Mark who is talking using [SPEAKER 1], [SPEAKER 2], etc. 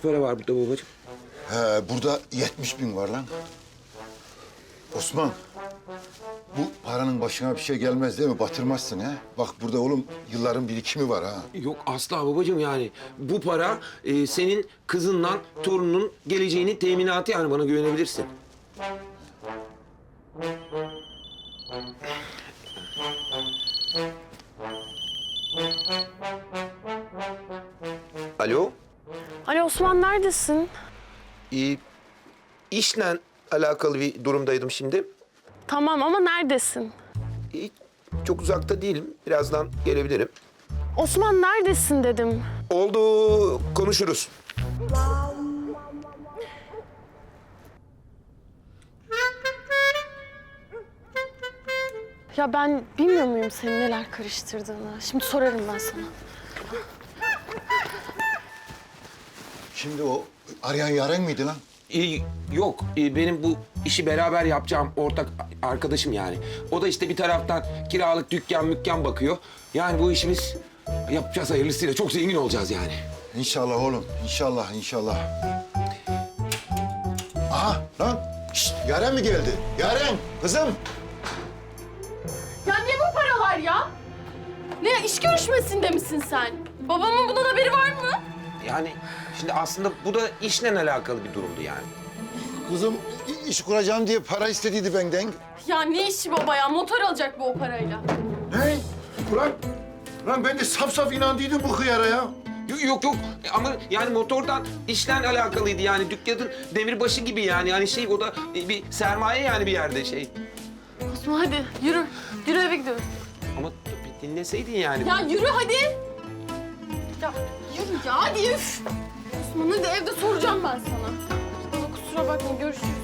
[SPEAKER 1] para var burada babacığım?
[SPEAKER 2] Burada 70 bin var lan. Osman, bu paranın başına bir şey gelmez değil mi? Batırmazsın ha? Bak burada oğlum yılların birikimi var ha.
[SPEAKER 1] Yok asla babacığım yani. Bu para senin kızınla torunun geleceğinin teminatı yani bana güvenebilirsin. Alo?
[SPEAKER 3] Ali Osman neredesin?
[SPEAKER 1] İşle alakalı bir durumdaydım şimdi.
[SPEAKER 3] Tamam ama neredesin?
[SPEAKER 1] Çok uzakta değilim. Birazdan gelebilirim.
[SPEAKER 3] Osman neredesin dedim.
[SPEAKER 1] Oldu, konuşuruz.
[SPEAKER 3] Ya ben bilmiyor muyum senin neler karıştırdığını? Şimdi sorarım ben sana.
[SPEAKER 2] Şimdi o arayan Yaren miydi lan?
[SPEAKER 1] Yok, benim bu işi beraber yapacağım ortak arkadaşım yani. O da işte bir taraftan kiralık dükkan bakıyor. Yani bu işi biz yapacağız hayırlısıyla. Çok zengin olacağız yani.
[SPEAKER 2] İnşallah oğlum, inşallah, inşallah. Aha lan, şşt, Yaren mi geldi? Yaren, kızım.
[SPEAKER 4] Ya ne bu paralar ya? Ne iş görüşmesinde misin sen? Babamın bundan haberi var mı?
[SPEAKER 1] Yani şimdi aslında bu da işle alakalı bir durumdu yani.
[SPEAKER 2] Kızım iş kuracağım diye para istediydi benden.
[SPEAKER 4] Ya ne işi baba ya? Motor alacak bu o parayla.
[SPEAKER 2] Ne? Ulan ben de saf inandıydım bu hıyara ya.
[SPEAKER 1] Yok ama yani motordan işle alakalıydı yani dükkanın demirbaşı gibi yani. Hani şey o da bir sermaye yani bir yerde şey.
[SPEAKER 4] Osman hadi yürü. Yürü eve gidiyoruz.
[SPEAKER 1] Ama bir dinleseydin yani.
[SPEAKER 4] Ya yürü hadi. Ya yürü ya hadi üf. Osman hadi evde soracağım ben sana. Baba kusura bakma görüşürüz.